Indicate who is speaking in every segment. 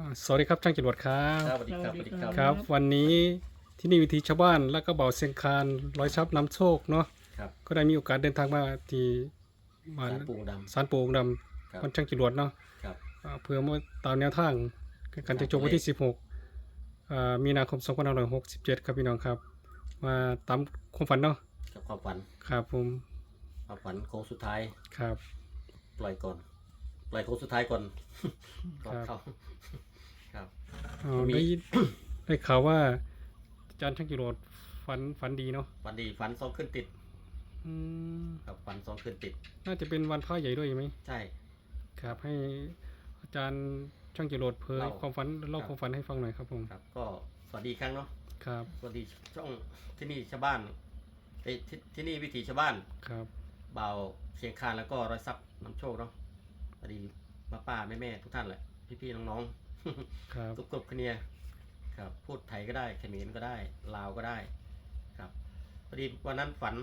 Speaker 1: สวัสดีครับช่างจรวดครั
Speaker 2: ค
Speaker 1: บ
Speaker 2: รับสวัสดีครับสวัสดีครับ
Speaker 1: ครับวันนี้ที่นี่วิถีชาวบ้านและก็เบาเสียงคานร้อยทรัพย์นำโชคเนาะ
Speaker 2: ครับ
Speaker 1: ก็ได้มีโอกาสเดินทางมาที่บ้าน
Speaker 2: สารปูด
Speaker 1: ศาลปู่องค์ด
Speaker 2: ครับ
Speaker 1: ำวันช่างจรวดเนาะ
Speaker 2: ำครับ
Speaker 1: เพื่อมาตามแนวทางการจะจบวันที่16มีนาคม2567ครับพี่น้องครับมาตามความฝันเนาะ
Speaker 2: กับความฝัน
Speaker 1: ครับผม
Speaker 2: ความฝันโค้งสุดท้าย
Speaker 1: ครับ
Speaker 2: ปล่อยก่อนปล่อยโค้งสุดท้ายก่อน ก่อน
Speaker 1: ครับ
Speaker 2: เข้าครับ มี
Speaker 1: ได้ข่าวว่าอาจารย์ช่างจรวดฝันดีเนาะ
Speaker 2: ฝันดีฝันสองขึ้นติด
Speaker 1: อืม
Speaker 2: ครับฝันสองขึ้นติด
Speaker 1: น่าจะเป็นวันพระใหญ่ด้วยไหม
Speaker 2: ใช่
Speaker 1: ครับให้อาจารย์ช่างจรวดเผย
Speaker 2: เล่า
Speaker 1: ความฝันเล่า
Speaker 2: ครับ
Speaker 1: ความฝันให้ฟังหน่อยครับผม
Speaker 2: ครับ ก็สวัสดีอีกครั้งเนาะ
Speaker 1: ครับ
Speaker 2: สวัสดีช่องที่นี่ชาวบ้านที่นี่วิถีชาวบ้าน
Speaker 1: ครับ
Speaker 2: เบาเชียงคานแล้วก็ร้อยทรัพย์นำโชคเนาะสวัสดีป้าแม่ทุกท่านแหละพี่ๆน้องๆ
Speaker 1: ครับ
Speaker 2: ทุกกลุ่มเนี่ยครับพูดไทยก็ได้เขมรก็ได้ลาวก็ได้ครับพอดีวันนั้นฝัน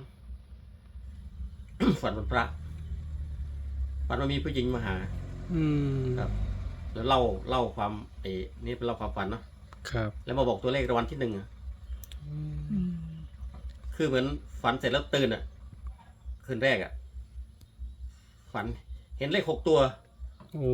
Speaker 2: ฝันวันพระฝันว่ามีผู้หญิงมาหา
Speaker 1: อืม
Speaker 2: ครับแล้วเล่าความนี่เป็นเล่าความฝันเนาะ
Speaker 1: ครับ
Speaker 2: แล้วมาบอกตัวเลขรางวัลที่หนึ่งอะคือเหมือนฝันเสร็จแล้วตื่นอ่ะคืนแรกอ่ะฝันเห็นเลข6 ตัว
Speaker 1: โอ้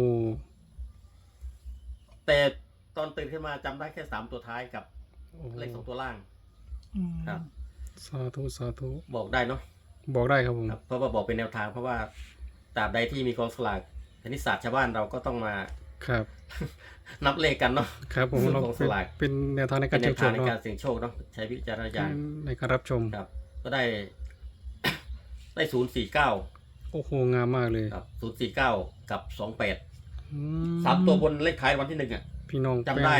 Speaker 2: แต่ตอนตื่นขึ้นมาจำได้แค่3 ตัวท้ายกับ
Speaker 1: โอ้
Speaker 2: เลข2 ตัวล่างครับ
Speaker 1: สาธุสาธุ
Speaker 2: บอกได้เนาะ
Speaker 1: บอกได้ครับผม
Speaker 2: ครับเพราะว่าบอกเป็นแนวทางเพราะว่าตราบใดที่มีกองสลากคณิตศาสตร์ชาวบ้านเราก็ต้องมา
Speaker 1: ครับ
Speaker 2: นับเลขกันเนาะ
Speaker 1: ครับผม
Speaker 2: เรื่อง
Speaker 1: เรา
Speaker 2: ของสลาก
Speaker 1: เป็นแนวทางใน
Speaker 2: เป็
Speaker 1: การ
Speaker 2: นแน
Speaker 1: เชิญ
Speaker 2: ว
Speaker 1: ช วนเนาะ
Speaker 2: ทางในการเสี่ยงโชคเนาะใช้วิจารณญาณ
Speaker 1: ในการรับชม
Speaker 2: ครับ ก็ได้ ได้049
Speaker 1: โอ้โหงามมากเลย
Speaker 2: ครับ049กับ28
Speaker 1: อื
Speaker 2: 3 ตัวบนเลขท้ายวันที่1อ่ะ
Speaker 1: พี่น้อง
Speaker 2: จำได้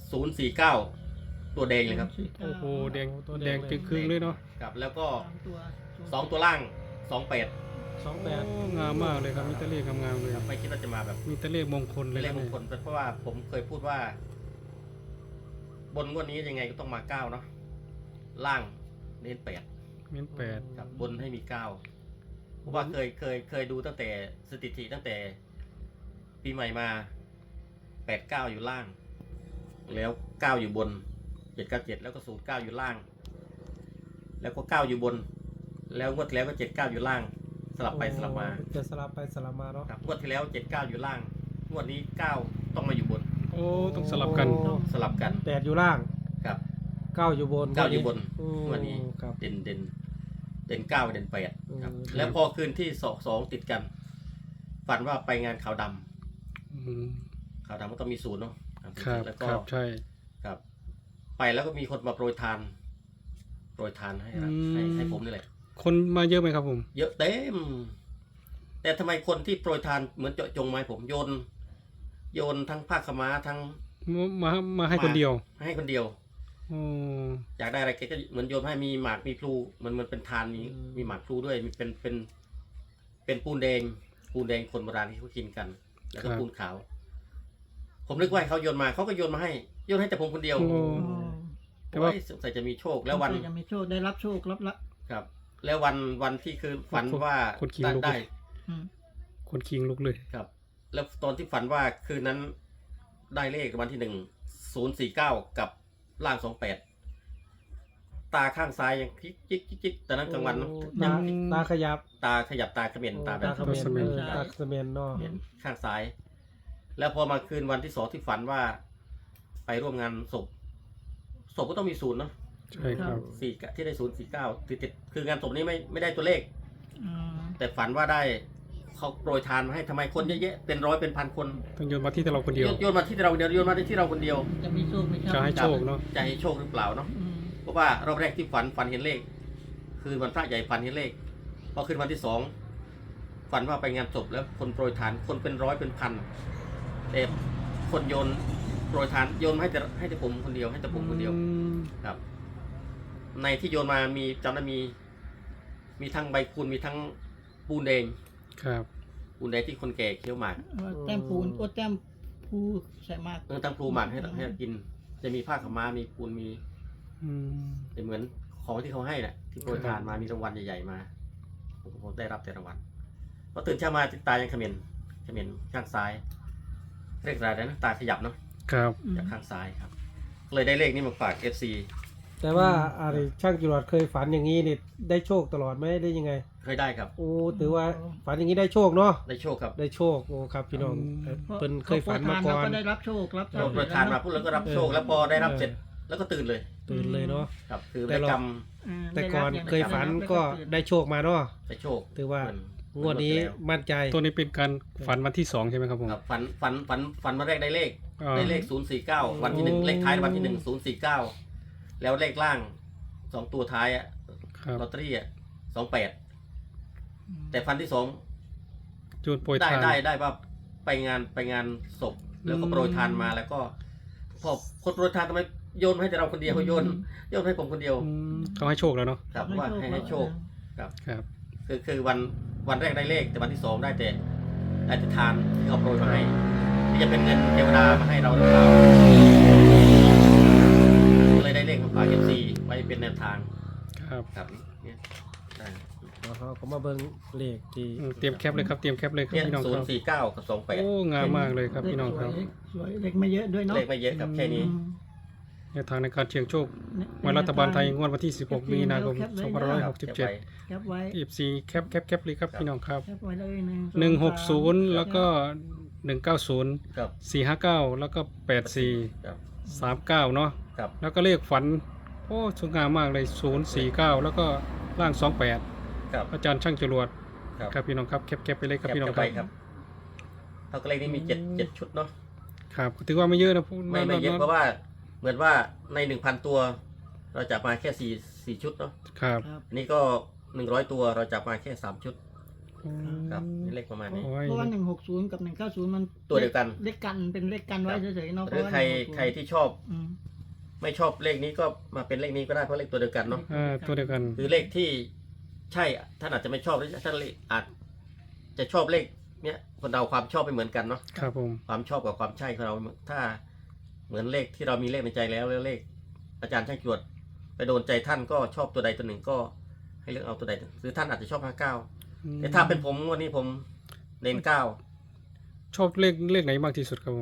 Speaker 2: 049ตัวแดงเลยครับ
Speaker 1: โอ้โหแดงแดงจึงครึ่งเลยเนาะ
Speaker 2: ครับ แล้วก็
Speaker 3: สองตัว
Speaker 2: 2 ตัวล่าง28
Speaker 1: โอ้งามมากเลยครับมีแตะเลขงามๆเลย
Speaker 2: ครับไม่คิดว่าจะมาแบบ
Speaker 1: มีแตะเลขมงคลเล
Speaker 2: เป็
Speaker 1: ย
Speaker 2: นเลขมงคล
Speaker 1: นะ
Speaker 2: เพราะว่าผมเคยพูดว่า บนงวดนี้ยังไงก็ต้องมา9เนาะล่างเน้น8
Speaker 1: เน้นแปด
Speaker 2: ครับบนให้มี9เพราะว่าเคยดูตั้งแต่สถิติตั้งแต่ปีใหม่มา89อยู่ล่าง แล้ว9อยู่บน797แล้วก็09อยู่ล่าง แล้วก็9อยู่บน แล้วงวดที่แล้วก็79อยู่ล่าง สลับไปสลับมา
Speaker 4: จะสลับไปสลับมาเนาะ
Speaker 2: ครับงวดที่แล้ว79อยู่ล่าง งวดนี้9ต้องมาอยู่บน
Speaker 1: โอ้ต้องสลับกัน
Speaker 2: สลับกัน
Speaker 4: 8อยู่ล่าง
Speaker 2: ครับ
Speaker 4: 9อยู่บน
Speaker 2: 9อยู่บน
Speaker 4: อืม
Speaker 2: งวดนี้
Speaker 4: ครับ
Speaker 2: เด่น9เด่น8ครับ
Speaker 4: อืม
Speaker 2: แล้วพอคืนที่2ติดกัน ฝันว่าไปงานขาวดำ
Speaker 1: อืม
Speaker 2: ขาวดำก็ต้องมีศูนย์เนาะ
Speaker 1: ครับ
Speaker 2: แล้ว
Speaker 1: ค
Speaker 2: ก็
Speaker 1: รับใช่
Speaker 2: ครับ ไปแล้วก็มีคนมาโปรยทานให้ครับให้ผมนี่แหละ
Speaker 1: คนมาเยอะไหมครับผม
Speaker 2: เยอะเต็ม แต่ทำไมคนที่โปรยทานเหมือนเจาะจงมาให้ผมโยนทั้งผ้าขาวม้าทั้ง
Speaker 1: มาให้คนเดียว
Speaker 2: ให้คนเดียว
Speaker 1: โอ้
Speaker 2: อยากได้อะไรแกก็เหมือนโยนให้มีหมากมีพลูมันเป็นทานมีหมากพลูด้วยมีเป็นปูนแดงคนโบราณที่เขากินกัน แล้วก็ปูนขาว ผมนึกว่าให้เขาโยนมาเขาก็โยนมาให้แต่ผมคนเดียว
Speaker 1: โอ้ แต่ว่า
Speaker 2: โอ้ยสงสัยจะมีโชคแล้ววัน
Speaker 3: จะมีโชคได้รับโชครับละ
Speaker 2: ครับ แล้ววันที่คือฝันว่า
Speaker 1: คนขิงลุก
Speaker 2: ได้
Speaker 1: เลย
Speaker 3: อืม
Speaker 1: คนคิงลุกเลย
Speaker 2: ครับ แล้วตอนที่ฝันว่าคืนนั้นได้เลขวันที่049กับล่าง28ตาข้างซ้ายยังจิ๊กแต่นั้นกลางวันเนอะ
Speaker 4: โอ้
Speaker 2: ยัง
Speaker 4: ตาขยับ
Speaker 2: ตาขยับตาเขม็นตาแบบ
Speaker 4: ตาเขมร
Speaker 1: เขมร
Speaker 4: ตาเขมรเนาะ
Speaker 2: เห็นข้างซ้าย แล้วพอมาคืนวันที่2ที่ฝันว่า ไปร่วมงานศพก็ต้องมีศูนย์เนาะ
Speaker 1: ใช่ครับ
Speaker 2: ที่ได้049ติดคืองานศพนี้ไม่ได้ตัวเลข
Speaker 3: อืม
Speaker 2: แต่ฝันว่าได้เขาโปรยทานมาให้ทำไมคนเยอะแยะเป็นร้อยเป็นพันคน
Speaker 1: ต้องโยนมาที่เราคนเดียว
Speaker 2: โยนมาที่เราเดียวโยนมาที่เราคนเดียว
Speaker 3: จะมีโชคไหมครั
Speaker 1: จะให้โชคเนาะ
Speaker 2: จะให้โชคหรือเปล่าเนาะ
Speaker 3: อืม
Speaker 2: เพราะว่ารอบแรกที่ฝันเห็นเลข คือวันพระใหญ่ฝันเห็นเลขพอขึ้นวันที่2ฝันว่าไปงานศพแล้วคนโปรยทานคนเป็นร้อยเป็นพันแต่คนโยนโปรยทานโยนมาให้แต่ผมคนเดียวให้แต่ผมคนเดียว
Speaker 1: อืม
Speaker 2: ครับ ในที่โยนมามีจำได้มีทั้งใบคูณมีทั้งปูนแดง
Speaker 1: ครับ
Speaker 2: ปูนแดงที่คนแก่เคี้ยวหมาก
Speaker 3: แต้มปูนโอ้แต้มภูใส่มาก
Speaker 2: ตั้งพลูหมักให้กิน จะมีผ้าขาวม้ามีปูนมี
Speaker 1: อืม
Speaker 2: เป็นเหมือนของที่เขาให้น่ะที่โปรยทานมามีรางวัลใหญ่ๆมาผมได้รับแต่รางวัลพอตื่นเช้ามาตายังเขม็นข้างซ้ายเรียกอะไรนะตาขยับเนาะ
Speaker 1: ครับ
Speaker 3: อืม
Speaker 2: จากข้างซ้ายครับ เลยได้เลขนี้มาฝาก FC
Speaker 4: แต่ว่าอะไรช่างจรวดเคยฝันอย่างนี้นี่ได้โชคตลอดไหมได้ยังไง
Speaker 2: เคยได้ครับ
Speaker 4: โอ้ถือว่าฝันอย่างนี้ได้โชคเนาะ
Speaker 2: ได้โชคครับ
Speaker 4: ได้โชคโอ้ครับพี่น้อง
Speaker 3: พราะ
Speaker 4: เพิ่นเคยฝันมาก่อน
Speaker 3: ก็ได้รับโชครับทรั
Speaker 2: เรา
Speaker 3: พย์
Speaker 2: ประทานมาพูดแล้วก็รับโชค แล้วพอได้รับเสร็จแล้วก็ตื่นเลย
Speaker 4: ตื่นเลยเนาะ
Speaker 2: ครับ คือ
Speaker 4: แต่
Speaker 2: ได้
Speaker 4: เรา
Speaker 2: กรรม
Speaker 4: แต่ก่อนเคยฝันก็ได้โชคมาเนาะ
Speaker 2: ได้โชค
Speaker 4: ถือว่า
Speaker 2: เหมือน
Speaker 4: งวดนี้
Speaker 2: แล้ว
Speaker 4: มั่นใจ
Speaker 1: ตัวนี้เป็นการฝันวันที่2ใช่ไหมครับผม
Speaker 2: ครับฝันวันแรกได้เลข
Speaker 1: อ่า
Speaker 2: ได้เลข 049 วันที่หนึ่ง
Speaker 1: โอ้
Speaker 2: เลขท้ายวันที่ 1 049 แล้วเลขล่าง2ตัวท้ายอะ
Speaker 1: ครับ
Speaker 2: ลอตเตอรี่อะ28 แต่ฟันที่2
Speaker 1: จูดโปรย
Speaker 2: ได้
Speaker 1: ทาน
Speaker 2: ได้ว่าไปงานศพแล้วก็โปรยทานมาแล้วก็พอคนโปรยทานทำไมโยนให้แต่เราคนเดียวโยนให้ผมคนเดียว
Speaker 1: อืมเขาให้โชคแล้วเนาะ
Speaker 2: ครับว่าให้โชค ครับ
Speaker 1: ครับ
Speaker 2: คือวันแรกได้เลขแต่วันที่2ได้แต่ทานที่เขาโปรยมาให้ที่จะเป็นเงินเทวดามาให้เราหรือเปล่าเลยได้เลขมาฝาก FC ไว้เป็นแนวทาง
Speaker 1: ครับ
Speaker 2: ครับเนี่ยได้
Speaker 4: แล้วเขาก็มาเบิ่งเลขที่
Speaker 1: อืมเตรียมแคปเลยครับเตรียมแคปเลยครับ
Speaker 2: เนี่ย
Speaker 1: พี่น้องครับ
Speaker 2: 049 กับ
Speaker 1: โอ้งามมากเลยครับพี่น้องครับ
Speaker 3: สวยเล็กไม่เยอะด้วย
Speaker 2: 28
Speaker 3: เนาะ
Speaker 2: เลขไม่เยอะครับแค่นี้
Speaker 1: แนวทางในการเสี่ยงโชควันรัฐบาลไทยงวดวันที่ 16 มีนาคม
Speaker 2: ครับเก็บไว้
Speaker 1: 2567
Speaker 3: แคปไว้
Speaker 1: FC แคปเลยครับพี่น้องครับ
Speaker 3: แคปไว้เลย1
Speaker 1: 160 แล้วก็ 190
Speaker 2: ครับ
Speaker 1: 459 แล้วก็ 84
Speaker 2: ครับ
Speaker 1: 39 เนาะ
Speaker 2: ครับ
Speaker 1: แล้วก็เลขฝัน โอ้สวยงามมากเลย 049 แล้วก็ล่าง 28
Speaker 2: ครับ
Speaker 1: อาจารย์ช่างจรวด
Speaker 2: ครับ
Speaker 1: ครับพี่น้องครับแคปไปเลยครับพี่น้องค
Speaker 2: ไป
Speaker 1: รับ
Speaker 2: ครับเท่ากับเลขนี้มี7ชุดเนาะ
Speaker 1: ครับถือว่าไม่เยอะนะพูด
Speaker 2: ไม่เยอะเพราะว่าเหมือนว่าใน 1,000 ตัว เราจับมาแค่4ชุดเนาะ
Speaker 1: ครับ
Speaker 3: ครับ
Speaker 2: อันนี้ก็100ตัวเราจับมาแค่3ชุดครับนี่เลขประมาณนี้
Speaker 1: โอ้ย
Speaker 3: เพราะว่า160กับ190มัน
Speaker 2: ตัวเดียวกัน
Speaker 3: เลขกันเป็นเลขกันไว้เฉยๆเนาะ
Speaker 2: หรือใครที่ชอบ
Speaker 3: อืม
Speaker 2: ไม่ชอบเลขนี้ก็มาเป็นเลขนี้ก็ได้เพราะเลขตัวเดียวกันเนาะ
Speaker 1: ตัวเดียวกัน
Speaker 2: คือเลขที่ใช่ท่านอาจจะไม่ชอบหรือท่านอาจจะชอบเลขเนี้ยคนเราความชอบไม่เหมือนกันเนาะ
Speaker 1: ครับผม
Speaker 2: ความชอบกับความใช่ของเราถ้าเหมือนเลขที่เรามีเลขในใจแล้วเลขอาจารย์ช่างจรวดไปโดนใจท่านก็ชอบตัวใดตัวหนึ่งก็ให้เลือกเอาตัวใดหรือท่านอาจจะชอบ59แต่ถ้าเป็นผมวันนี้ผมเน้น9
Speaker 1: ชอบเลขไหนมากที่สุดครับผม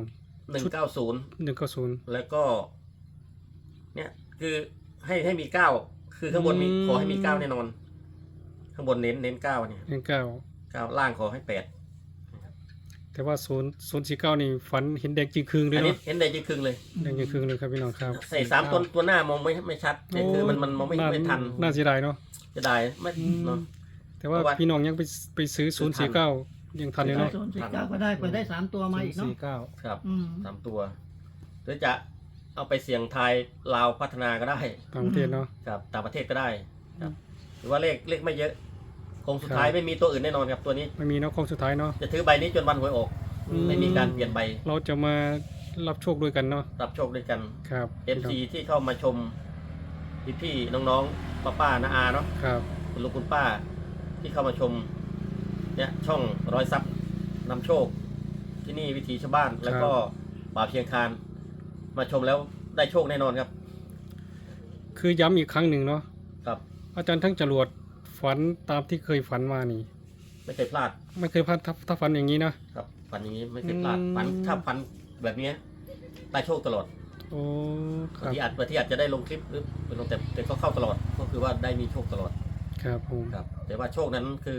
Speaker 2: 190
Speaker 1: 190
Speaker 2: แล้วก็เนี่ยคือให้มี9คือข้างบนมีขอให้มี9แน่นอน ข้างบนเน้น9เนี่ย
Speaker 1: 19
Speaker 2: 9ล่างขอให้8
Speaker 1: แต่ว่า049นี่ฝันเห็นแดงจริงคืงเลย
Speaker 2: อันนี้
Speaker 1: เนาะ
Speaker 2: เห็นได้จริงครึ่งเลย
Speaker 1: แดงจริงคืงเลยครับพี่น้องครับ
Speaker 2: ใส่3ตัวหน้ามองไม่ชัดแต่คือมันมองไม่ทัน
Speaker 1: น่าเสียดายเนาะ
Speaker 2: จะได้ไม่เนาะ
Speaker 1: แต่ว่า
Speaker 2: เพราะว่า
Speaker 1: พี่น้องยังไปซื้อ049ยังทันเลยเนาะ
Speaker 3: 049ก็ได้เปิดได้3ตัวมาอีกเนาะ
Speaker 4: 49
Speaker 2: ครับ
Speaker 3: อืม
Speaker 2: 3ตัวหรือจะเอาไปเสี่ยงทายลาวพัฒนาก็ได้
Speaker 1: ต่างประเทศเนาะ
Speaker 2: ครับต่างประเทศก็ได้ครับหรือว่าเลขไม่เยอะคงสุดท้ายไม่มีตัวอื่นแน่นอนครับตัวนี้
Speaker 1: ไม่มีเนาะโค้งสุดท้ายเนาะ
Speaker 2: จะถือใบนี้จนวันหวยออก ไม่มีการเปลี่ยนใบ
Speaker 1: เราจะมารับโชคด้วยกันเนาะ
Speaker 2: รับโชคด้วยกัน
Speaker 1: ครับ
Speaker 2: MC ที่เข้ามาชมพี่ๆน้องๆป้าๆน้าอาเนาะ
Speaker 1: ครับ
Speaker 2: คุณลุงคุณป้าที่เข้ามาชมเนี่ยช่องร้อยซับนำโชค ที่นี่วิถีชาวบ้านแล้วก็ป่าเพียงคานมาชมแล้วได้โชคแน่นอนครับ
Speaker 1: คือย้ำอีกครั้งหนึ่งเนาะ
Speaker 2: ครับ
Speaker 1: อาจารย์ทั้งจรวดฝันตามที่เคยฝันมานี่
Speaker 2: ไม่เคยพลาด
Speaker 1: ไม่เคยพลาดถ้าฝันอย่างนี้นะ
Speaker 2: ครับฝันอย่างนี้ไม่เคยพลาด
Speaker 1: อืม
Speaker 2: ฝันถ้าฝันแบบเนี้ยได้โชคตลอด
Speaker 1: โอ้ค
Speaker 2: บาง
Speaker 1: รับ
Speaker 2: ทีอาจจะได้ลงคลิปหรือเป็นลงแต่ก็เข้าตลอดก็คือว่าได้มีโชคตลอด
Speaker 1: ครับผม
Speaker 2: ครับ แต่ว่าโชคนั้นคือ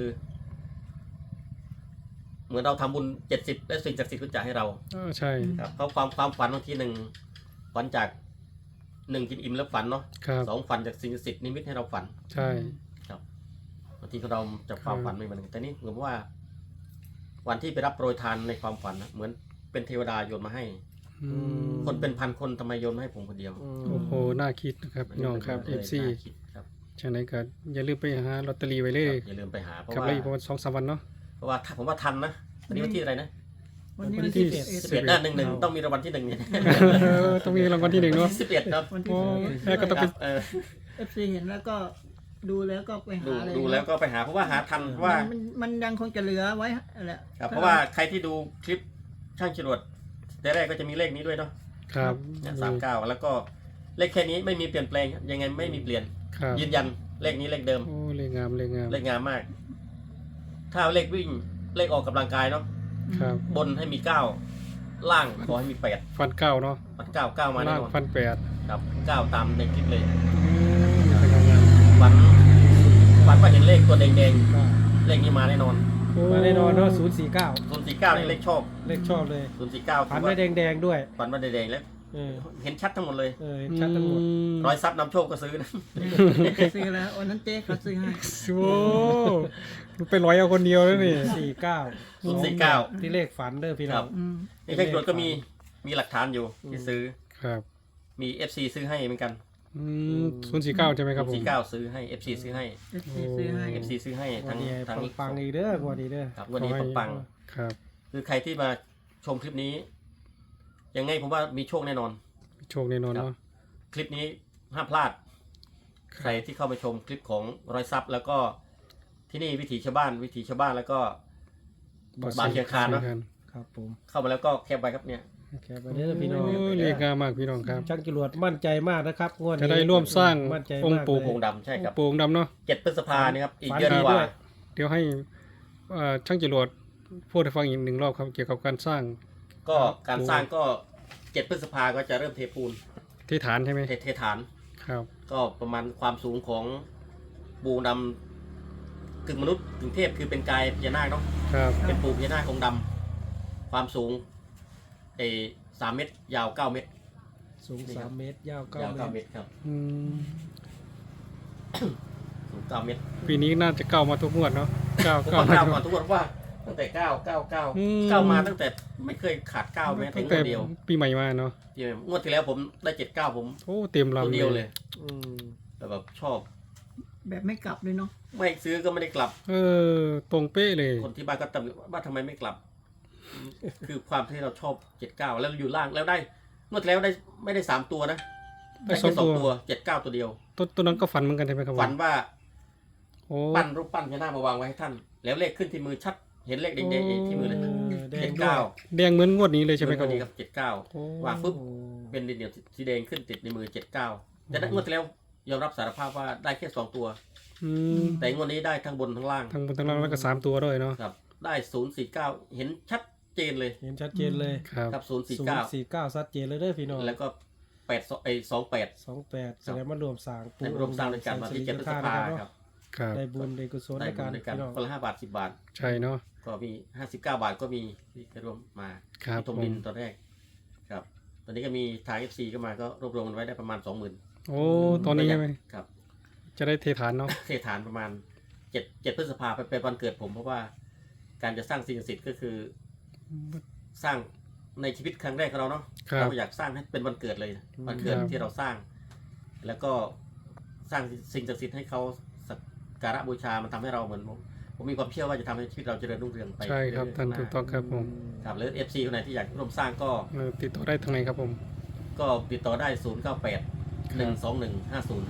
Speaker 2: เหมือนเราทำบุญ70และสิ่งศักดิ์สิทธิ์ก็จะให้เรา
Speaker 1: ใช่
Speaker 2: ครับเพราะความฝันบางที1ฝันจาก1กินอิ่มแล้วฝันเนาะ
Speaker 1: ครับ
Speaker 2: 2ฝันจากสิ่งศักดิ์สิทธิ์นิมิตให้เราฝัน
Speaker 1: ใช่
Speaker 2: บางทีเราจะความฝันไม่เหมือนกันแต่นี่เหมือนว่า วันที่ไปรับโปรยทานในความฝันนะเหมือนเป็นเทวดาโยนมาให้
Speaker 1: อืม
Speaker 2: คนเป็นพันคนทำไมโยนมาให้ผมคนเดียว
Speaker 1: โอ้โหน่าคิดนะครับพี่น้องครับ FC
Speaker 2: น่าคิดครับ
Speaker 1: ฉะนั้นก็อย่าลืมไปหาลอตเตอรี่ไว้เลย
Speaker 2: อย่าลืมไปหาเพราะ
Speaker 1: ครับ
Speaker 2: ว่า
Speaker 1: เลยอีกประมาณ2-3 วันเนาะ
Speaker 2: เพราะว่าผมว่าทันนะวันนี้วันที่อะไรนะ
Speaker 3: วันนี้
Speaker 1: วั
Speaker 3: วัน น
Speaker 1: ที่
Speaker 3: ที่
Speaker 1: 11
Speaker 3: 11
Speaker 2: 11ต้องมีรางวัลที่1เนี่ย
Speaker 1: ต้องมีรางวัลที่ 1เนาะ
Speaker 2: 11ครับ
Speaker 3: วันที่
Speaker 1: โอ้
Speaker 3: 11
Speaker 1: แล้วก็ต้องไป
Speaker 2: ครับ
Speaker 3: FC เห็นแล้วก็ดูแล้วก็ไปหาเลย
Speaker 2: ดูแล้วก็ไปหาเพราะว่าหาทันเพราะว่า
Speaker 3: มันยังคงจะเหลือไว้แหละ
Speaker 2: ครับเพราะว่าใครที่ดูคลิปช่างจรวดแต่แรกก็จะมีเลขนี้ด้วยเนาะ
Speaker 1: ครับ
Speaker 2: เนี่ย39แล้วก็เลขแค่นี้ไม่มีเปลี่ยนแปลงยังไงไม่มีเปลี่ยน
Speaker 1: ครับ
Speaker 2: ยืนยันเลขนี้เลขเดิม
Speaker 1: โอ้เลขงามเลขงาม
Speaker 2: เลขงามมาก ถ้าเลขวิ่งเลขออกกำลังกายเนาะ
Speaker 1: ครับ
Speaker 2: บนให้มี9 ล่างขอให้มีแปด
Speaker 1: ฟันเก้าเนาะ
Speaker 2: ปัดเก้าเก้ามาแน่
Speaker 1: ล่าง
Speaker 2: นอน
Speaker 1: ฟันแปด
Speaker 2: ครับเก้าตามในคลิปเลย
Speaker 1: เป็นยังไง
Speaker 2: ฝันว่าเห็นเลขตัวแดงๆเลขนี้มาแน่นอน
Speaker 4: มาแน่นอนเนาะ049
Speaker 2: 049นี่เลขชอบ
Speaker 4: เลขชอบเลย
Speaker 2: 049
Speaker 4: ฝันได้แดงๆด้วย
Speaker 2: ฝันว่าแดงๆแล้ว
Speaker 4: เออ
Speaker 2: เห็นชัดทั้งหมดเลย
Speaker 4: เห็นชัดทั้งหมด
Speaker 2: ร้อยซับนำโชคก็ซื้อนะ
Speaker 3: ซื้อแล้ววันนั้นเจ๊เขาซื้อให้
Speaker 1: โอ้ไปร้อยเอาคนเดียวแล้วนี่
Speaker 4: 49
Speaker 2: 049
Speaker 4: ที่เลขฝันเด้อพี่น้อง
Speaker 2: นี่ใครตรวจก็มีหลักฐานอยู่ที่ซื้อ
Speaker 1: ครับ
Speaker 2: มี FC ซื้อให้เหมือนกัน
Speaker 1: 049ใช่ไหมครับผม
Speaker 2: 049ซื้อให้ FC ซื้อให้
Speaker 3: ซื้อให้
Speaker 2: FC ซื้อให้
Speaker 4: วั
Speaker 2: ทั้
Speaker 4: น
Speaker 2: ง
Speaker 4: นี้
Speaker 2: ทั้ง
Speaker 4: ปังๆอีกเด้อกว่านี้เด้อ
Speaker 2: ครับวันนี้ปัง
Speaker 1: ครับ
Speaker 2: ๆคือใครที่มาชมคลิปนี้ ยังไงผมว่ามีโชคแน่นอน
Speaker 1: โชคแน่นอนเนาะ
Speaker 2: คลิปนี้ห้ามพลาด ใครที่เข้ามาชมคลิปของร้อยซับแล้วก็ที่นี่วิถีชาวบ้านแล้วก็บ้านเชียงคานเนาะ
Speaker 4: ครับผม
Speaker 2: เข้ามาแล้วก็แคปไว้ครับเนี่ย
Speaker 4: แค่ไปเด้อพี่น้อง
Speaker 1: โอ้ยเรียกงามมากพี่น้องครับ
Speaker 4: ช่างจรวดมั่นใจมากนะครับงวดนี้
Speaker 1: จะได้ร่วมสร้าง
Speaker 4: มั่นใจ
Speaker 1: องค์
Speaker 4: มาก
Speaker 1: ปู่
Speaker 4: เลย
Speaker 2: โป่งดำใช่ครับ
Speaker 1: โป่งดำเนาะ
Speaker 2: 7 พฤษภานี่ครับอีก
Speaker 4: ฝัน
Speaker 2: เดือน
Speaker 4: ดี
Speaker 2: กว่า
Speaker 4: ด้วย
Speaker 1: เดี๋ยวให้ช่างจรวดพูดให้ฟังอีกหนึ่งรอบครับเกี่ยวกับการสร้าง
Speaker 2: ก็การสร้างก็ 7 พฤษภาก็จะเริ่มเทปูน
Speaker 1: ที่ฐานใช่ไหม
Speaker 2: เทฐาน
Speaker 1: ครับ
Speaker 2: ก็ประมาณความสูงของปูดำกึ่งมนุษย์กึ่งเทพคือเป็นกายพญานาคเนาะ
Speaker 1: ครับ
Speaker 2: เป็นปูพญานาคองค์ดำความสูง3 เมตร ยาว 9 เมตร
Speaker 4: สูง3 เมตรยาว
Speaker 2: ยาว
Speaker 4: 9
Speaker 2: 9
Speaker 4: เม
Speaker 2: เม
Speaker 4: ตร
Speaker 2: ตรครับ
Speaker 1: อืม
Speaker 2: สูง 9 เมตร
Speaker 1: ปีนี้น่าจะเก้ามาทุกงวดเนาะเก้า
Speaker 2: ผม
Speaker 1: เก้า
Speaker 2: ว่า
Speaker 1: มา
Speaker 2: ก้าว
Speaker 1: ทุก
Speaker 2: ก่อนทุกคนว่าตั้งแต่9 9 มาตั้งแต่ไม่เคยขาด9แม้แต่
Speaker 1: ตั้ง
Speaker 2: ง
Speaker 1: แต่
Speaker 2: วดเดียว
Speaker 1: ปีใหม่มาเนาะ
Speaker 2: งวดที่แล้วผมได้79ผม
Speaker 1: โอ้เต็ม
Speaker 2: ตัว
Speaker 1: ลำ
Speaker 2: เดียวเลย
Speaker 4: อืม
Speaker 2: แต่แบบชอบ
Speaker 3: แบบไม่กลับเลยเนาะ
Speaker 2: ไม่ซื้อก็ไม่ได้กลับ
Speaker 1: เออตรงเป๊ะเลย
Speaker 2: คนที่บ้านก็ตำหนิว่าทำไมไม่กลับ คือความที่เราชอบ79แล้วอยู่ล่างแล้วได้งวดที่แล้วได้ไม่ได้3ตัวนะ
Speaker 1: ได้
Speaker 2: ได้
Speaker 1: สอ
Speaker 2: แค่
Speaker 1: ง
Speaker 2: สอ
Speaker 1: ตั
Speaker 2: ง
Speaker 1: ว
Speaker 2: ตัว79ตัวเดียว
Speaker 1: ตัวนั้นก็ฝันเหมือนกันใช่ไหมครับผม
Speaker 2: ฝันว่า
Speaker 1: โอ้
Speaker 2: ปั้นรูปปั้นพญานาคมาวางไว้ให้ท่าน แล้วเลขขึ้นที่มือชัด เห็นเลขแดงๆที่มือเลย
Speaker 4: แดง
Speaker 2: 79
Speaker 4: ด้วย
Speaker 1: แดงเหมือนงวดนี้เลยใช่ไหมครับ
Speaker 2: วัน
Speaker 1: ผ
Speaker 2: นี้
Speaker 1: ม
Speaker 2: ครับ
Speaker 1: โอ้
Speaker 2: 79วางปุ๊บเป็นดินเหนียวสีแดงขึ้นติดในมือ79แต่นั้นงวดที่แล้วยอมรับสารภาพว่าได้แค่2ตัว
Speaker 1: อืม
Speaker 2: แต่งวดนี้ได้ทั้งบนทั้งล่าง
Speaker 1: ทั้งบนทั้งล่างแล้วก็3ตัวด้วยเนาะ
Speaker 2: ครับ ได้049เห็นชัดเจนเลย
Speaker 4: เห็นชัดเจนเลย
Speaker 1: ครับ
Speaker 2: ครับ
Speaker 4: 049ชัดเจนเลยเด้อพี่น้อง
Speaker 2: 049แล้วก็28
Speaker 4: 28แสดงว่ารวมสร้าง
Speaker 2: ในรวมสร้างด้วยกันวันที่7 พฤษภาครับ
Speaker 1: ครับ
Speaker 4: ได้บุญได้กุศล
Speaker 2: ได้
Speaker 4: ใน
Speaker 2: บุ
Speaker 4: การ
Speaker 2: ญด้วยกัน
Speaker 4: พี่น้อง
Speaker 2: คนละ5 บาท 10 บาท
Speaker 1: ใช่เนาะ
Speaker 2: ก็มี59 บาทก็มีที่ไปร่วมมา
Speaker 1: ครับ
Speaker 2: ที่ทม
Speaker 1: ผ
Speaker 2: ดิน
Speaker 1: ม
Speaker 2: ตอนแรกครับ ตอนนี้ก็มีทาง FC ก็มาก็รวบรวมกันไว้ได้ประมาณ 20,000
Speaker 1: โอ้ตอนนี้ใช่ไหม
Speaker 2: ครับ
Speaker 1: จะได้เทฐานเนาะ
Speaker 2: เทฐานประมาณ7 พฤษภาเป็นวันเกิดผมเพราะว่าการจะสร้างสิ่งศักดิ์สิทธิ์ก็คือ สร้างในชีวิตครั้งแรกของเราเนาะ
Speaker 1: ครับ
Speaker 2: เราอยากสร้างให้เป็นวันเกิดเลยวันเกิด
Speaker 1: ครับ
Speaker 2: ที่เราสร้าง แล้วก็สร้างสิ่งศักดิ์สิทธิ์ให้เขาสักการะบูชามันทำให้เราเหมือนผมมีความเชื่อว่าจะทำให้ชีวิตเราเจริญรุ่งเรืองไป
Speaker 1: ใช่ครับ
Speaker 2: เอยๆ
Speaker 1: ท่าน
Speaker 2: ข้งห
Speaker 1: ถูกต้องครับผม
Speaker 2: ครับหรือ FC คนไหนที่อยากร่วมสร้างก็
Speaker 1: ติดต่อได้ทางไหนครับผม
Speaker 2: ก็ติดต่อได้ 098 121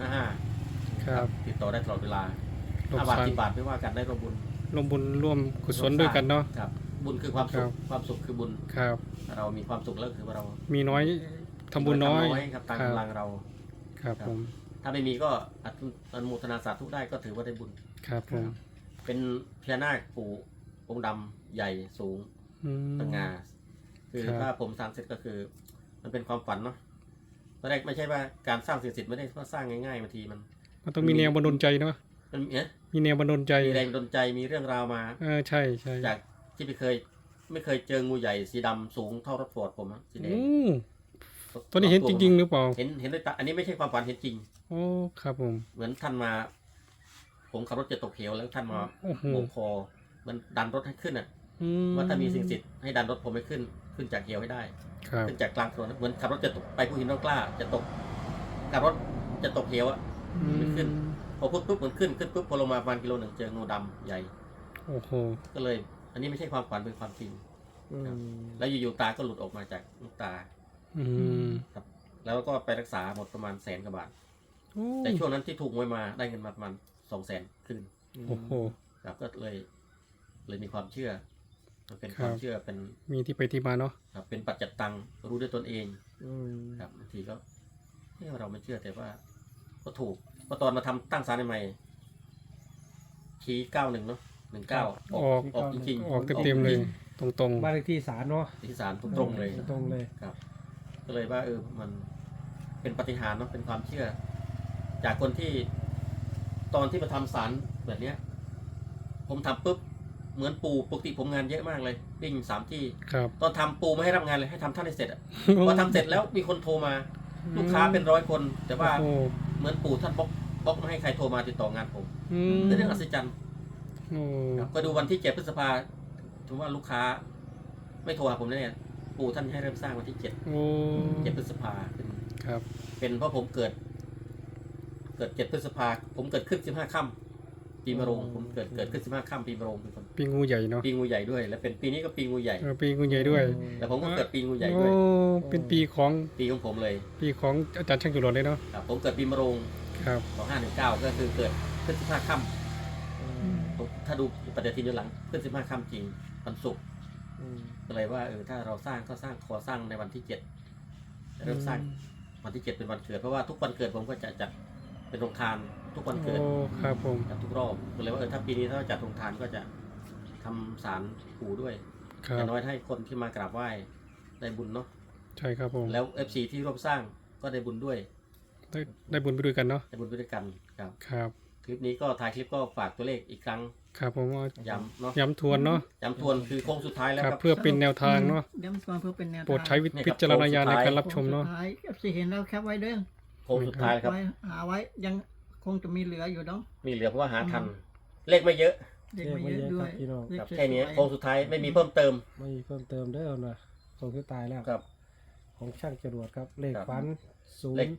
Speaker 2: 5055
Speaker 1: ครับ
Speaker 2: ติดต่อได้ตลอดเวลา
Speaker 1: ร่วม
Speaker 2: 5 บาท
Speaker 1: สร้าง
Speaker 2: 10 บาทไม่ว่ากันได้ร่วมบุญ
Speaker 1: ร่วมบุญร่วมกุศลด้วยกันเนาะ
Speaker 2: ครับบุญคือความสุ
Speaker 1: ครั
Speaker 2: ข
Speaker 1: บ
Speaker 2: ความสุขคือบุญ
Speaker 1: ครับ
Speaker 2: เรามีความสุขแล้วคือว่าเรา
Speaker 1: มีน้อยทำบุญน้อย
Speaker 2: ครับตาม
Speaker 1: ครับ
Speaker 2: กำลังเรา
Speaker 1: ครับผม
Speaker 2: ถ้าไม่มีก็อนุโมทนาสาธุได้ก็ถือว่าได้บุญ
Speaker 1: ครับผม
Speaker 2: เป็นพญานาคปู่องค์ดำใหญ่สูง
Speaker 1: อืม
Speaker 2: สง่าคือ
Speaker 1: ครับ
Speaker 2: ถ้าผมสร้างเสร็จก็คือ มันเป็นความฝันเนาะตอนแรกไม่ใช่ว่าการสร้างสิ่งศักดิ์สิทธิ์ไม่ได้ว่าสร้างง่ายๆบางทีมัน
Speaker 1: มันต้องมีแนวบันดาลใจเนาะ
Speaker 2: มัน
Speaker 1: มีแนวบันดาลใจ
Speaker 2: มีแรงดลใจมีเรื่องราวมา
Speaker 1: ใช่ใช่
Speaker 2: จากที่ไม่เคยเจองูใหญ่สีดำสูงเท่ารถฟอร์ดผมอะสีแดง
Speaker 1: โอ้ตัวนี้เห็นจริงๆหรือเปล่า
Speaker 2: เห็นด้วยตาอันนี้ไม่ใช่ความฝันเห็นจริง
Speaker 1: โอ้ครับผม
Speaker 2: เหมือนท่านมา ผมขับรถจะตกเหวแล้วท่านมา
Speaker 1: โอ้โห
Speaker 2: โบกคอมันดันรถให้ขึ้นอ่ะ
Speaker 1: อืม
Speaker 2: ว่าถ้ามีสิ่งศักดิ์สิทธิ์ให้ดันรถผมให้ขึ้นจากเหวให้ได้
Speaker 1: ครับ
Speaker 2: ขึ้นจากกลางถนนเหมือนขับรถจะตกไปภูหินร่องกล้าจะตกขับรถจะตกเหวอ่ะ ไม่ขึ้น พอพุปุ๊บมันขึ้นปุ๊บพอลงมาประมาณกิโลหนึ่งเจองูดำใหญ่
Speaker 1: โอ้โห
Speaker 2: ก็เลย อันนี้ไม่ใช่ความฝันเป็นความจริง
Speaker 4: อืม
Speaker 2: แล้วอยู่ๆตาก็หลุดออกมาจากลูกตา
Speaker 1: อืม
Speaker 2: ครับ แล้วก็ไปรักษาหมดประมาณ100,000 กว่าบาท
Speaker 1: โอ้
Speaker 2: แต่ช่วงนั้นที่ถูกมวยมาได้เงินมาประมาณ200,000ขึ้น
Speaker 1: โอ้โห
Speaker 2: ครับก็เลยมีความเชื่อ มันเป็น
Speaker 1: ครับ
Speaker 2: ความเชื่อเป็น
Speaker 1: มีที่ไปที่มาเนาะ
Speaker 2: ครับเป็นปัจจัตตังรู้ด้วยตนเอง
Speaker 4: อืม
Speaker 2: ครับบางทีก็เราไม่เชื่อแต่ว่า ก็ถูกพอตอนมาทำตั้งศาลใหม่ชี้91เนาะ 19
Speaker 1: ออก
Speaker 2: ออกจริงๆ
Speaker 1: ออกเต็มๆเลย ตรง
Speaker 4: บ้านเลขที่ศาลเนาะ
Speaker 2: ที่ศาลตรงๆเลย
Speaker 4: ตรงเลย
Speaker 2: ครับ ก็เลยว่ามันเป็นปาฏิหาริย์เนาะเป็นความเชื่อ จากคนที่ตอนที่มาทำศาลแบบเนี้ย ผมทำปุ๊บเหมือนปูปกติผมงานเยอะมากเลยวิ่ง3 ที่
Speaker 1: ๆครับ
Speaker 2: ตอนทำปูไม่ให้รับงานเลยให้ทำท่านให้เสร็จอะพอทำเสร็จแล้วมีคนโทรมา ลูกค้าเป็น100 คน แต่ว่า
Speaker 1: โอ้
Speaker 2: เหมือนปู่ท่านบล็อกไม่ให้ใครโทรมาติดต่องานผม
Speaker 1: อืม
Speaker 2: เป็นเรื่องอัศจรรย์
Speaker 1: โอ้
Speaker 2: ครับก็ดูวันที่7 พฤษภาถือว่าลูกค้า ไม่โทรหาผมแน่ๆปู่ท่านให้เริ่มสร้างวันที่7
Speaker 1: โอ้
Speaker 2: พฤษภาเป็น
Speaker 1: ครับ
Speaker 2: เป็นเพราะผมเกิด 7 พฤษภาผมเกิดขึ้น15 ค่ำปีมะโรงผมเกิดขึ้น15 ค่ำปีมะโรงเป็นคน
Speaker 1: ปีงูใหญ่เนาะ
Speaker 2: ปีงูใหญ่ด้วย และเป็นปีนี้ก็ปีงูใหญ่
Speaker 1: ปีงูใหญ่ด้วย
Speaker 2: แต่ผมก็เกิดปีงูใหญ่
Speaker 1: โอ้
Speaker 2: ด้วย
Speaker 1: เป็นปีของ
Speaker 2: ปีของผมเลย
Speaker 1: อาจารย์ช่างจรวดเลยเนาะ
Speaker 2: ครับผมเกิดปีมะโรง
Speaker 1: ครับ
Speaker 2: 2519ก็คือเกิดขึ้น15 ค่ำถ้าดูปฏิทินย้อนหลังขึ้น15 ค่ำจริงวันศุกร์ ก็เลยว่าถ้าเราสร้างก็ขอสร้างในวันที่ 7เริ่มสร้างวันที่ 7 เป็นวันเกิดเพราะว่าทุกวันเกิดผมก็จะจัดเป็นโรงทานทุกวันเกิด
Speaker 1: โอ้ครับผม
Speaker 2: จัดทุกรอบก็เลยว่าถ้าปีนี้ถ้าจัดโรงทานก็จะทำศาลปู่ด้วย
Speaker 1: ครั
Speaker 2: อบ ย่างน้อยให้คนที่มากราบไหว้ได้บุญเนาะ
Speaker 1: ใช่ครับผม
Speaker 2: แล้ว FC ที่ร่วมสร้างก็ได้บุญด้วย
Speaker 1: ได้บุญไปด้วยกันเนาะ
Speaker 2: ได้บุญไปด้วยกันครับ
Speaker 1: ครับ
Speaker 2: คลิปนี้ก็ถ่ายคลิปก็ฝากตัวเลขอีกครั้ง
Speaker 1: ครับผมว่า
Speaker 2: ย้ำเนาะ
Speaker 1: ย้ำทวนเนาะ
Speaker 2: ย้ำทวนคือโค้งสุดท้ายแล้ว
Speaker 1: ครับ
Speaker 2: ครับ
Speaker 1: เพื่อเป็นแนวทางเนาะ
Speaker 3: ย้ำก่อนเพื่อเป็นแนวทาง
Speaker 1: โปรดใช้
Speaker 2: เนี่ยครับ
Speaker 1: วิจารณญาณในการรับชมเนาะ
Speaker 3: สุดท้าย FC เห็นแล้วแคปไว้เด้อ
Speaker 2: โค้งสุดท้ายครับ
Speaker 3: ไว้หาไว้ยังคงจะมีเหลืออยู่เนาะ
Speaker 2: มีเหลือเพราะว่าหาทัน เลขไม่เยอะ
Speaker 3: เด็กมาเยอะด้วย
Speaker 4: พี่น้อง
Speaker 3: เลข
Speaker 2: ครับ
Speaker 3: สวยๆ
Speaker 2: แค่นี้โค้งสุดท้ายไม่มีเพิ่มเติม
Speaker 4: ไม่มีเพิ่มเติมเด้อนะของที่ตายแล้ว
Speaker 2: ครับ
Speaker 4: ของช่างจรวดครับ เลข
Speaker 2: ครับ
Speaker 4: ฝันศู
Speaker 2: เล
Speaker 4: น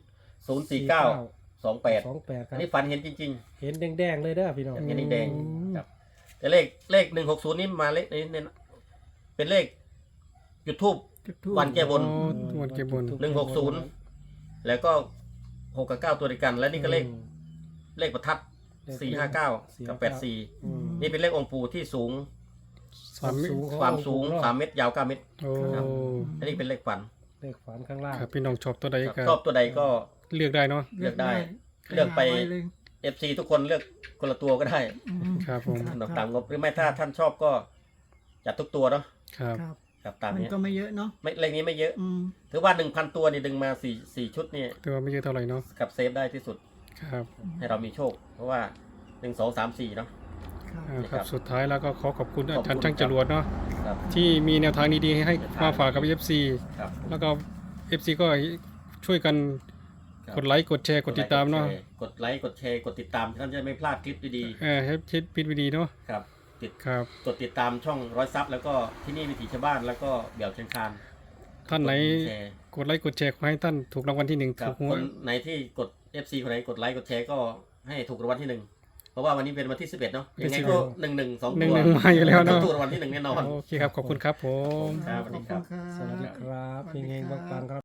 Speaker 2: ข
Speaker 4: ย์
Speaker 2: 049 28
Speaker 4: 28ค
Speaker 2: อั
Speaker 4: รั
Speaker 2: น
Speaker 4: บ
Speaker 2: นี้ฝันเห็นจริง
Speaker 4: เห็นแดงๆเลยเด้อพี่น้อง
Speaker 2: เห็นแดงๆครับ แต่เลข160นี่มาเลขนี้เนี่ยเป็นเลขจุดทูบ
Speaker 3: จุดธูป
Speaker 2: วันแก้บน
Speaker 1: โอ้วันแก้บน
Speaker 2: 160 แล้วก็6 กับ 9 ตัวเดียวกัน และนี่ก็เลขประทัด 459 กับ 84
Speaker 4: อืม
Speaker 2: นี่เป็นเลของค์ปู่ที่สูง
Speaker 1: 3 เมตร
Speaker 2: ความสูง3 เมตรยาว 9 เมตร
Speaker 1: โอ้
Speaker 2: ครับ อันนี้เป็นเลขฝัน
Speaker 4: เลขฝันข้างล่าง
Speaker 1: ครับพี่น้องชอบตัวใดก็
Speaker 2: ชอบตัวใดก็
Speaker 1: เลือกได้เนาะ
Speaker 2: เลือกได้ เลือกไป
Speaker 3: หาว้เลย
Speaker 2: FC ทุกคนเลือกคนละตัวก็ได้
Speaker 3: อืม
Speaker 1: ครับผม
Speaker 2: ตามงบหรือไม่ถ้าท่านชอบก็จัดทุกตัวเนาะ
Speaker 1: ครับ
Speaker 3: ครับ
Speaker 2: ครับตาม
Speaker 3: มัน
Speaker 2: นี้
Speaker 3: ก็ไม่เยอะเนาะ
Speaker 2: ไม่เลขนี้ไม่เยอะ
Speaker 3: อืม
Speaker 2: ถือว่า 1,000 ตัวนี่ดึงมา4ชุดนี่
Speaker 1: แต่ว่าไม่เยอะเท่าไหร่เนาะ
Speaker 2: กับเซฟได้ที่สุด
Speaker 1: ครับ
Speaker 2: ให้เรามีโชค เพราะว่า 1 2 3 4เนาะ
Speaker 3: ครับ
Speaker 1: ครับสุดท้ายแล้วก็ขอขอบคุณ
Speaker 2: ขอบคุณ
Speaker 1: อาจารย์ช่างจรวดเนาะ
Speaker 2: ครับ
Speaker 1: ที่มีแนวทางดีๆให้มาฝากกับ FC
Speaker 2: ครับ
Speaker 1: แล้วก็ FC ก็ช่วยกัน
Speaker 2: ครับ
Speaker 1: กดไลค์กดแชร์กดติดตามเนาะ
Speaker 2: กดไลค์กดแชร์กดติดตามท่านจะไม่พลาดคลิปดี
Speaker 1: ให้คิดพิดวิดีเนาะ
Speaker 2: ๆครับ
Speaker 1: ครับ
Speaker 2: กดติดตามช่องร้อยซับแล้วก็ที่นี่วิถีชาวบ้านแล้วก็เบี่ยวเชียงคาน
Speaker 1: ท่านไหน
Speaker 2: กดแชร์
Speaker 1: กดไลค์กดแชร์ขอให้ท่านถูกรางวัลที่ 1
Speaker 2: ครั
Speaker 1: ถู
Speaker 2: บ
Speaker 1: กหว
Speaker 2: ค
Speaker 1: ย
Speaker 2: นไหนที่กด FC คนไหนกดไลค์กดแชร์ก็ให้ถูกรางวัลที่ 1 เพราะว่าวันนี้เป็นวันที่ 11 เนาะยังไงก็1 1 2
Speaker 1: หนึ่
Speaker 2: ตั
Speaker 1: ง
Speaker 2: ว
Speaker 1: หนึ่งมาอยู่แล้วเนาะ
Speaker 2: ถูกรางวัลที่ 1 แน่นอน
Speaker 1: โอเคครับขอบคุณครับผม
Speaker 2: ครับสวัสดีครับ
Speaker 3: ขอณ
Speaker 4: สวัสดีครับ
Speaker 3: สวัสดี
Speaker 4: เฮงๆ
Speaker 3: ครับ
Speaker 4: ปังๆครับ